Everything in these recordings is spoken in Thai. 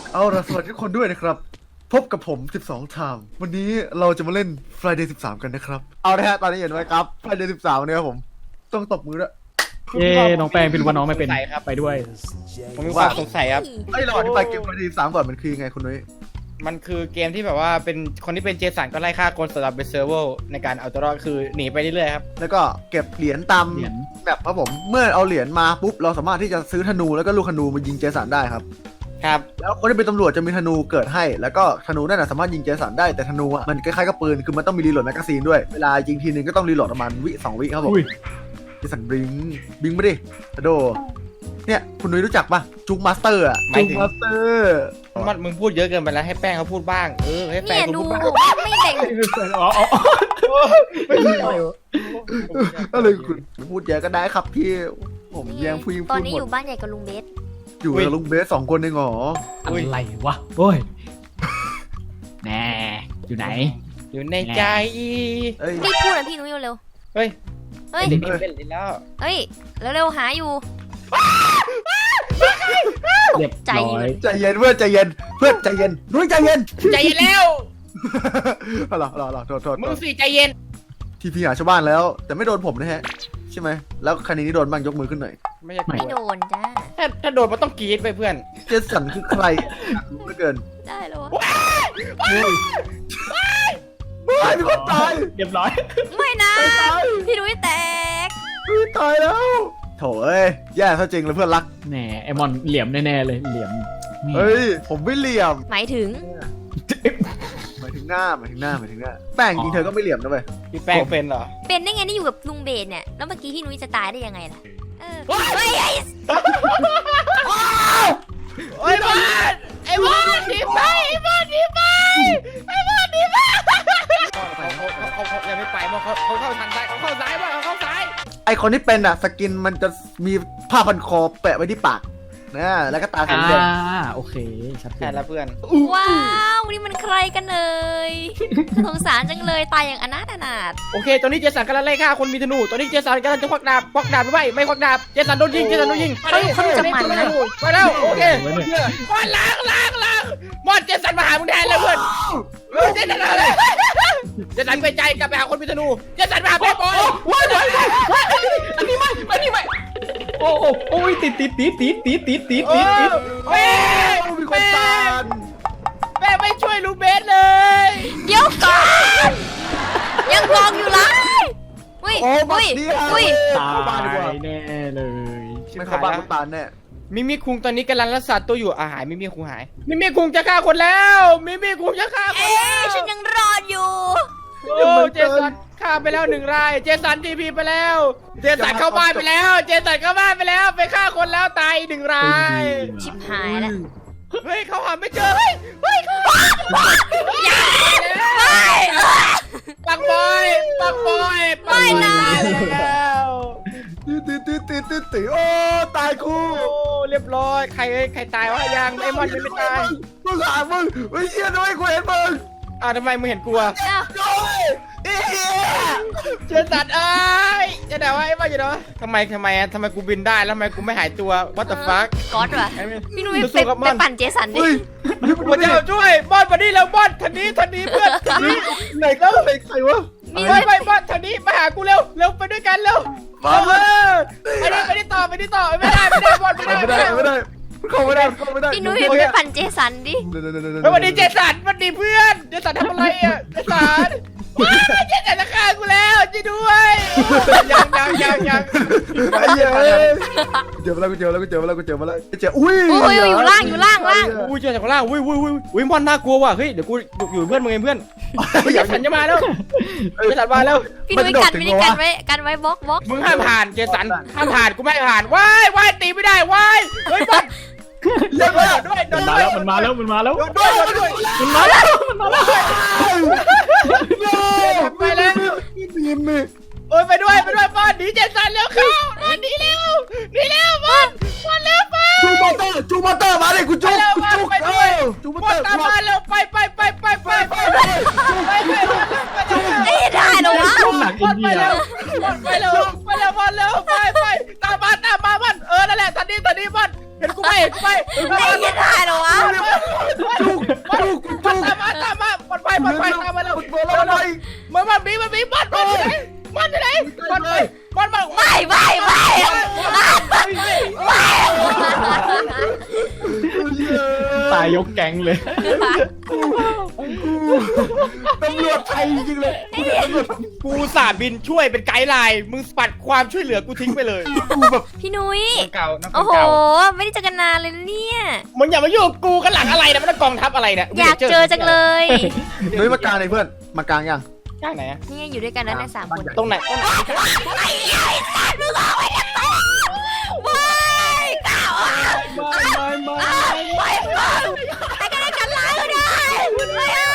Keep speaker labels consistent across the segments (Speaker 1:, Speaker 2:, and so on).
Speaker 1: เอาล่ะสวัสดีทุกคนด้วยนะครับพบกับผม12ชามวันนี้เราจะมาเล่น Friday 13กันนะครับเอาละฮะตอนนี้เห็นไหมครับ Friday 13เนี่ยครับผมต้องตบมือด้วย
Speaker 2: เย้น้องแป้งเป็นว่าน้องไม่เป็นไปด้วย
Speaker 3: ผมมีความสงสัยครับ
Speaker 1: ไอ้ยเราอธิบายเกม Friday 13ก่อนมันคือยังไงคุณนุ้ย
Speaker 3: มันคือเกมที่แบบว่าเป็นคนที่เป็นเจสันก็ไล่ฆ่าคนสำหรับเป็นเซิร์ฟเวอร์ในการเอาตัวรอดคือหนีไปเรื่อยๆครับ
Speaker 1: แล้วก็เก็บเหรียญตาม
Speaker 2: เหรียญ
Speaker 1: แบบครับผมเมื่อเอาเหรียญมาปุ๊บเราสามารถที่จะซื้อธนูแล้วก็ลูกธนูมายิงเจสันได้ครับ
Speaker 3: ครับ
Speaker 1: แล้วคนที่เป็นตำรวจจะมีธนูเกิดให้แล้วก็ธนูนั่นนะสามารถยิงเจสันได้แต่ธนูอ่ะมันคล้ายๆกับปืนคือมันต้องมีรีโหลดแมกกาซีนด้วยเวลายิงทีนึงก็ต้องรีโหลดประมาณ2 วิครับผม
Speaker 2: อุ้ย
Speaker 1: เจสันบิงมาดิอะโดเนี่ยคุณนุ้ยรู้จักปะจุกมาสเตอร์อะจุกมาสเตอร์
Speaker 3: มันมึงพูดเยอะเกินไปแล้วให้แป้งเขาพูดบ้างให้แป้
Speaker 4: เนี่
Speaker 3: ง
Speaker 4: ย
Speaker 3: เขา
Speaker 4: ดู
Speaker 3: พูดบ้าง
Speaker 4: ไม่แบ่ง
Speaker 2: อ๋อ
Speaker 1: อะไรคุณพูดเยอะก็ได้ครับพี่ผมแย่งผู้หญิง
Speaker 4: ตอ
Speaker 1: พู
Speaker 4: น
Speaker 1: ด
Speaker 4: นี้
Speaker 1: หม
Speaker 4: อ
Speaker 1: ด
Speaker 4: ยู่บ้านใหญ่กับลุงเบส
Speaker 1: อยู่กับลุงเบส2 คนเองเหรอ
Speaker 2: อะไรวะโอ้ยแน่อยู่ไหน
Speaker 3: อยู่ในใจ
Speaker 1: เอ้ย
Speaker 4: รีบพูดนะพี่นุ้ยเร็ว
Speaker 3: เฮ้ย
Speaker 4: ๆเฮ้ย
Speaker 3: เล่นแล้ว
Speaker 4: เฮ้ยเร็วๆหาอยู่
Speaker 2: เรียบ
Speaker 4: ใจ
Speaker 2: ร้อย
Speaker 1: ใจเย็นเพื่อนใจเย็นเพื่อนใจเย็นนุ้ยใจเย็น
Speaker 3: ใจเย็นแล้ว
Speaker 1: อะไรโทษ
Speaker 3: มึงสิใจเย็น
Speaker 1: ทีพีหาชาวบ้านแล้ว แต่ไม่โดนผมนะฮะใช่ไหมแล้วคันนี้โดนบ้างยกมือขึ้นหน่อย
Speaker 3: ไม่ใช่
Speaker 4: ไม่โดนจ้า
Speaker 3: ถ้าโดนมันต้องกรีดไปเพื่อน
Speaker 1: เจสันคือใครอยากรู้เหลือเกิน
Speaker 4: ได้แล้ววะ
Speaker 1: ไม่มีคนตาย
Speaker 2: เรียบร้อย
Speaker 4: ไม่นะ
Speaker 1: ตาย
Speaker 4: พี่นุ้ยแตก
Speaker 1: ตายแล้วโถเอ้ยแย่ซะจริงเลยเพื่อนรัก
Speaker 2: แหน่ไอมอนเหลี่ยมแน่ๆเลยเหลี่ยม
Speaker 1: เฮ้ยผมไม่เหลี่ยม
Speaker 4: หมายถึง
Speaker 1: หมายถึงหน้าแป้งจริงเธอก็ไม่เหลี่ยมนะเว้ย
Speaker 3: พี่แป้งเป็นเหรอ
Speaker 4: เป็นได้ไงนี่อยู่กับลุงเบสเนี่ยแล้วเมื่อกี้พี่นุ้ยจะตายได้ยังไงล่ะเฮ้ย
Speaker 3: ไอ้บอลไอ้บอลหนีไปไอ้บอลหนีไปไอ้บอลหนีไปเขายังไม่ไปมั้งเขาเข้าทางซ้ายเขาเข้าซ้ายบ้างเขาเข้าซ้าย
Speaker 1: ไอคนที่เป็นอะสกินมันจะมีผ้าพันคอแปะไว้ที่ปากนะแล้วก็ตาสีแดง
Speaker 2: โอเคชัดเจ
Speaker 3: แค่
Speaker 2: น
Speaker 3: ละเพื่อน
Speaker 4: ว้าวนี่มันใครกันเลยสงสารจังเลยตายอย่างอนาถ
Speaker 3: โอเคตอนนี้เจสันกำลังไล่ฆ่าคนมีธนูตอนนี้เจสันกำลังจะควักดาบหรือไม่ควักดาบเจสันโดนยิงไปแล้วโอเคบอลล้างบอลเจสันมาหามึงแทนเลยเพื่อนเจสันอะไรเจสันไปใจกลับไปหาคนมีธนูเจสันมาหาแม่บอยอันนี้ไม่
Speaker 2: โอ้ยติด
Speaker 3: แม่ไม่ช่วยลูเบสเลย
Speaker 4: ๆเดี๋ยวก่อนยังกองอยู่เลยอุ้ย
Speaker 1: โอ้บั
Speaker 4: อุ้
Speaker 1: ด
Speaker 4: ย
Speaker 1: นี้
Speaker 4: อุ้ย
Speaker 2: ตา
Speaker 1: เข้าบ้านดีกว่า
Speaker 2: ยแน่เลย
Speaker 1: ไม่เข้าบ้านคุณตาลแน่
Speaker 3: มิมิคุงตอนนี้กำลังรักษาตัวอยู่หายมิมิคุงหายมิมิคุงจะฆ่าคนแล้วมิมิคุงจะฆ่าคน
Speaker 4: เอ๊
Speaker 3: แล้ว
Speaker 4: ะฉันยังรอดอยู่
Speaker 3: โอ้เจสันฆ่าไปแล้ว1 รายเจสันทีพีไปแล้วเจสันเข้าบ้านไปแล้วเจสันเข้าบ้านไปแล้วไปฆ่าคนแล้วตายอีก1 ราย
Speaker 4: ชิบหายแล้ว
Speaker 3: เฮ้ยเขาหาไม่เจอเฮ้ยเขาปักบอย
Speaker 4: ไม่นะ
Speaker 3: แล้ว
Speaker 1: ตื่นโอ้ตายกู
Speaker 3: โอ้เรียบร้อยใครตายวะยังไอ้มอนยังไม่ตาย
Speaker 1: มึงหามึงเฮ้ยเชี่ยด้วยกูเห็นมึง
Speaker 3: ทำไมมึงเห็นกลัว
Speaker 4: อ้าว
Speaker 1: โอ้ยเอ๊ะ
Speaker 3: เจสันจะด่าว่าไอ้มอนอยู่เนาะทำไมกูบินได้แล้วทำไมกูไม่หายตัว what the fuck
Speaker 4: ก๊อตว่ะ
Speaker 3: ไอ้เว้ย
Speaker 4: พี่นุ้ย
Speaker 3: สู้กับมัน
Speaker 4: ไปปั่นเจสันดิ
Speaker 1: เฮ้ย
Speaker 3: พระเจ้าช่วยบอลมานี่แล้วบอลทันนี้เพื่อนทันนี้
Speaker 1: ไหนก็ไหนใครวะ
Speaker 4: มี
Speaker 3: ไปบอลทันนี้มาหากูเร็วไปด้วยกันเร็วไปนี่ต่อไม่ได้บอลไม่ได้
Speaker 1: ไม่ได้เข้าไม่ได้
Speaker 4: พี่นุ้ยไปปั่นเจสันดิ
Speaker 3: วันนี้เจสันวันนี้เพื่อนเจสันทำอะไรอ่ะเจสันเจสันจะฆ่ากูแล้วช่วยด้วยยัง
Speaker 1: ไอ้เหี้ยเจอมาแล้วอุ้ย
Speaker 4: โอ้ยอยู่ล่าง
Speaker 3: อุ้ยเจสันข้างล่างอุ้ยมอนน่ากลัวว่ะเฮ้ยเดี๋ยวกูอยู่เพื่อนมึงเองเพื่อนเจสันจะมาแล้วเจสันมาแล้ว
Speaker 4: พี่นุ้ยกันไม่ได้กันไว้บล็อก
Speaker 3: มึงห้ามผ่านเจสันห้ามผ่านกูไม่ผ่านว้ายตีไม่ได้ว้ายเฮ้ยบอลเล่นด้วย
Speaker 2: มันมาแล้ว
Speaker 3: ด้วย
Speaker 2: มันมาแล้ว
Speaker 3: ไปแล้ว
Speaker 1: มีมี
Speaker 3: โอ้ยไปด้วยบอลหนีเจสันเร็วเข้าหนีเร็วบอลเร็วไป
Speaker 1: จูมอเตอร์มาเลยกูจู
Speaker 3: ไปด้วย
Speaker 1: จูมอ
Speaker 3: บ
Speaker 1: เต
Speaker 3: อ
Speaker 1: อ
Speaker 3: ล
Speaker 1: ร์
Speaker 3: ตามมาเร็วไป
Speaker 4: ไม่ได้หรอวะ
Speaker 2: หนักอินเดีย
Speaker 3: ไปเร็วไปตามมาบอลนั่นแหละทันนี้บอลเห็นกูไหม
Speaker 4: ไม่ได้หรอวะ
Speaker 3: มันไปตามมาแล้วมันบีมันอยู่ไหนมันอยู่ไหนมันไปมัน
Speaker 4: ไม่
Speaker 2: ตายยกแก๊งเลย
Speaker 1: ตำรวจไทยจริงๆเลยตำรวจ
Speaker 3: กูสาบินช่วยเป็นไกด์ไลน์มึงปัดความช่วยเหลือกูทิ้งไปเลย
Speaker 1: กูแบบ
Speaker 4: พี่นุ้ย
Speaker 3: เก่าน้ำ
Speaker 4: โอ้โห
Speaker 3: เก่า
Speaker 4: ไม่ได้เจอกันนานเลยนะเนี่ย
Speaker 3: มึงอย่ามายุ่งกับกูกันหลังอะไรนะมันกองทัพอะไรเนี่ย
Speaker 4: อยากเจอจังเลย
Speaker 1: นุ้ยมากลางเลยเพื่อนมากลางยัง
Speaker 3: ข้างไหนอะ
Speaker 4: นี่ไงอยู่ด้วยกันแล้วนะ3 คน
Speaker 3: ตรงไหน
Speaker 4: ไม่ก้าวไม่แต่ก็ได้กันล้างก็ได้ไม่เอา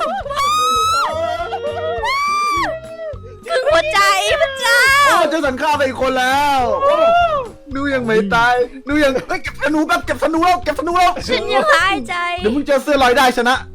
Speaker 4: คือหัวใจพระเจ้า
Speaker 1: โอ้เจสันฆ่าไปอีกคนแล้วนูยังไม่ตายนูยังเก็บธนูแบบเก็บธนูแล้ว
Speaker 4: ฉันยังหายใจ
Speaker 1: เดี๋ยวมึงเจอเสื้อลอยได้ชนะ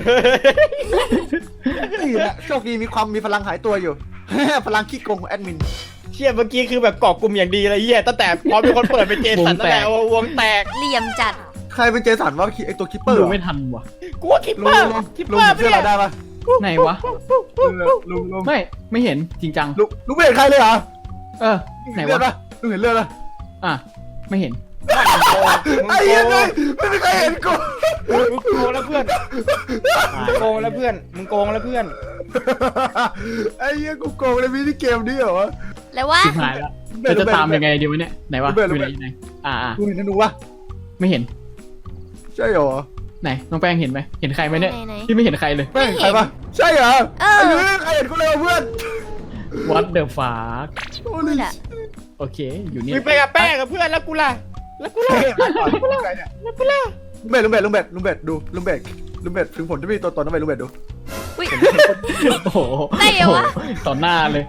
Speaker 1: นี่แหละโชคดีมีพลังหายตัวอยู่ พลังขี้โกงของแอดมิน
Speaker 3: เชี่ยเมื่อกี้คือแบบเกาะกลุ่มอย่างดีเลยเฮียตั้งแต่พอมีคนเปิดเป็นเจสันตั้งแต่วงแตก
Speaker 4: เหลี่ยมจัด
Speaker 1: ใครเป็นเจสันว่าไอตัวคิปเปอร์
Speaker 2: ดูไม่ทันว่ะ
Speaker 3: กูว่าคิป
Speaker 1: ลุ
Speaker 3: เป
Speaker 1: ง
Speaker 3: อร์
Speaker 1: ลุง
Speaker 3: คิป
Speaker 1: ลุ
Speaker 3: เป
Speaker 1: ง
Speaker 3: อร์
Speaker 1: เสื้อลอยได้ปะ
Speaker 2: ไหนวะ
Speaker 1: ลุง
Speaker 2: ไม่เห็นจริงจัง
Speaker 1: ลุงไม่เห็นใครเลยเหรอ
Speaker 2: ไหน
Speaker 1: เลือด
Speaker 2: วะ
Speaker 1: ปะลุงเห็นเลือดปะ
Speaker 2: อ่ะไม่เห็น
Speaker 1: ไอ้ยังไงไม่มีใครเห็นกู
Speaker 3: มึงโกงแล้วเพื่อนโกงแล้วเพื่อนมึงโกงแล้วเพื่อน
Speaker 1: ไอ้ยังกูโกงในมินิเกมนี้เหรอวะ
Speaker 4: แล้วว่า
Speaker 2: ชิบหายแล้วจะตามยังไงดีวะเนี่ยไหนวะอยู่ไหนอ่า
Speaker 1: ลุงเห็นธนูปะ
Speaker 2: ไม่เห็น
Speaker 1: ใช่เหรอ
Speaker 2: ไหนน้องแป้งเห็นไหมเห็นใครไหมเนี่ย
Speaker 4: ไหน
Speaker 2: พี่ไม่เห็นใครเลย
Speaker 1: ไม่เห็นใครปะใช่เหรอ
Speaker 4: เออ
Speaker 1: ไอ้ยังใครเห็นกูเลยวะเพื่อน
Speaker 2: What the fuck
Speaker 1: โอ้
Speaker 4: พู
Speaker 1: ย
Speaker 4: ดอะ
Speaker 2: โอเคอยู่นี่
Speaker 3: มึงไปกับแป้งกับเพื่อนแล้วกูล่ะ
Speaker 1: ลุงเบ็ดดูลุงเบ็ดถึงผลจะมีตัวตนต้องไปลุงเบ็ดดู
Speaker 4: อุ๊ย
Speaker 2: โอ้โห
Speaker 4: ได้เหรอวะ
Speaker 2: ต่อหน้าเลย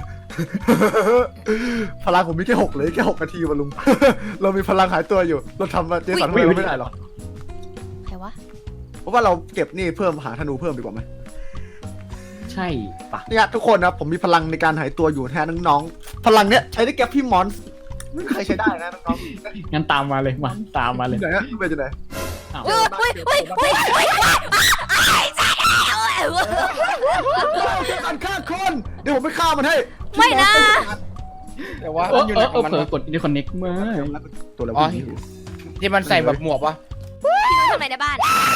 Speaker 1: พลังผมมีแค่6เลยแค่6 นาทีวะลุง เรามีพลังหายตัวอยู่ เราทำมาเจสันไม่ได้หรอก
Speaker 4: ใครวะ
Speaker 1: เพราะว่าเราเก็บนี่เพิ่มหาธนูเพิ่มดีกว่าไหม
Speaker 2: ใช่ปะ
Speaker 1: เนี่ยทุกคนนะผมมีพลังในการหายตัวอยู่แทนน้องๆพลังเนี้ยใช้ได้แก่พี่มอนส์ไม่มีใครใช้ได้นะน้อง
Speaker 2: งั้นตามมาเลยมาตามมา
Speaker 1: ๆ
Speaker 2: เลย
Speaker 1: ที่ไหนฮะลุงเบ็ดอยู่ไหน
Speaker 2: อ้าว
Speaker 4: อุ้ยใช่แล้ว
Speaker 1: เจสันฆ่าคนเดี๋ยวผมไปฆ่ามันให้
Speaker 4: ไม่นะ
Speaker 3: แต่ว่า
Speaker 2: เอ
Speaker 3: มัน
Speaker 2: อ
Speaker 3: อยู่
Speaker 2: เอ
Speaker 3: ไหน
Speaker 2: อ
Speaker 3: ของมัน
Speaker 2: เผลอกดอินเทอร์คอนเน็กมา
Speaker 1: ตัวอะไร
Speaker 3: อ๋อ
Speaker 1: วะ
Speaker 3: ที่มันใส่แบบหมวกวะ
Speaker 4: พี่นุ้ยทำอะไรในบ้าน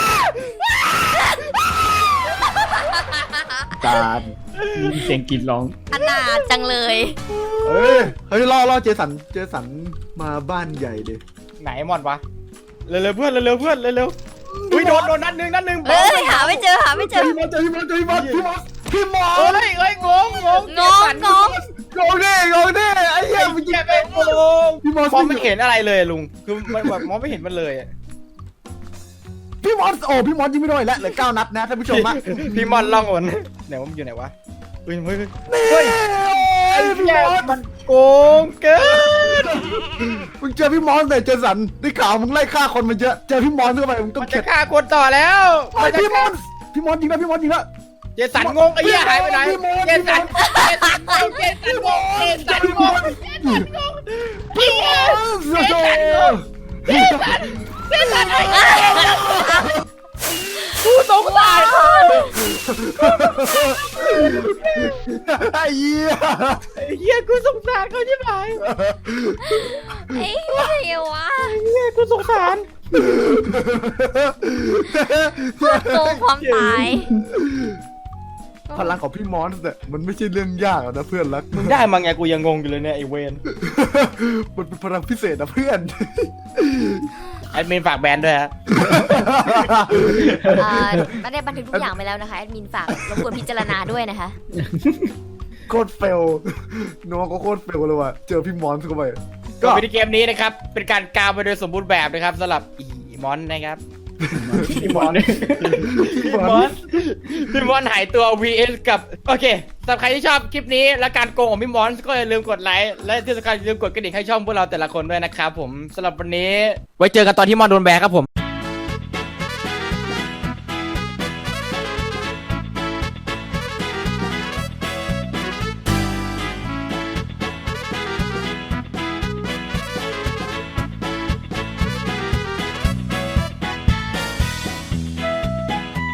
Speaker 1: จาน
Speaker 2: มีเสียงกรีดร้อง
Speaker 4: อนาถจังเลย
Speaker 1: เฮ้ยล่อเจสันมาบ้านใหญ่ดิ
Speaker 3: ไหนมอนวะเร็วๆเพื่อนเร็วๆเพื่อนเร็วๆอุ้ยโดนนัดหนึ่ง
Speaker 4: เอ้ยหาไม่เจอ
Speaker 1: เจอพี่มอส
Speaker 3: เฮ้ยงง
Speaker 4: งง
Speaker 1: งงดิไอ้เหี้ย
Speaker 3: แกไปโกง
Speaker 1: พี่มอส
Speaker 3: มองไม่เห็นอะไรเลยลุงคือมันแบบมองไม่เห็นมันเลย
Speaker 1: พี่มอสยิงไม่โดนแล้วเหลือ9 นัดนะท่านผู้ชมอะ
Speaker 3: พี่มอนล่องหนไหนว่ามันอยู่ไหนวะเฮ้ย
Speaker 1: ไอ้พี่มอส
Speaker 3: มันโกงเกิน
Speaker 1: มึงเจอพี่มอสแต่เจสันได้ข่าวมึงไล่ฆ่าคนมาเยอะเจอพี่มอสเข้าไปมึงต้อง
Speaker 3: มัน
Speaker 1: เข็
Speaker 3: จะ
Speaker 1: ด
Speaker 3: ฆ่าคนต่อแล้ว
Speaker 1: พี่มอสยิงแล้ว
Speaker 3: เจสันงงไอ้เหี้ยหายไปไหนเจสันงงพี่มอนกูสงสาร
Speaker 1: ไอ้เหี้ย
Speaker 3: ไอ้เหี้ยกูสงสารเขาใช่ไหม
Speaker 4: เอ้ยอะไรวะ
Speaker 3: เหี้ยกูสงสาร
Speaker 4: โกงความตาย
Speaker 1: พลังของพี่มอสเนี่ยมันไม่ใช่เรื่องยากหรอกนะเพื่อนรัก
Speaker 3: มึงได้มาไงกูยังงงอยู่เลยเนี่ยไอ้เวน
Speaker 1: มันเป็นพลังพิเศษนะเพื่อน
Speaker 3: แอดมินฝากแบนด้วยฮะ
Speaker 4: ไม่ได้บันทึกทุกอย่างไปแล้วนะคะแอดมินฝากรบกวนพิจารณาด้วยนะคะ
Speaker 1: โคตรเฟลน้องก็โคตรเฟลเลยว่ะเจอพี่มอนเข้าไป
Speaker 3: ก็วิดีเกมนี้นะครับเป็นการกาวไปโดยสมบูรณ์แบบนะครับสำหรับอีมอนนะครับ
Speaker 2: พี่มอน
Speaker 3: พี่มอนหายตัว vs กับโอเคสำหรับใครที่ชอบคลิปนี้และการโกงของพี่มอนก็อย่าลืมกดไลค์และที่สำคัญอย่าลืมกดกระดิ่งให้ช่องพวกเราแต่ละคนด้วยนะครับผมสำหรับวันนี้ไว้เจอกันตอนที่มอนโดนแบนครับผม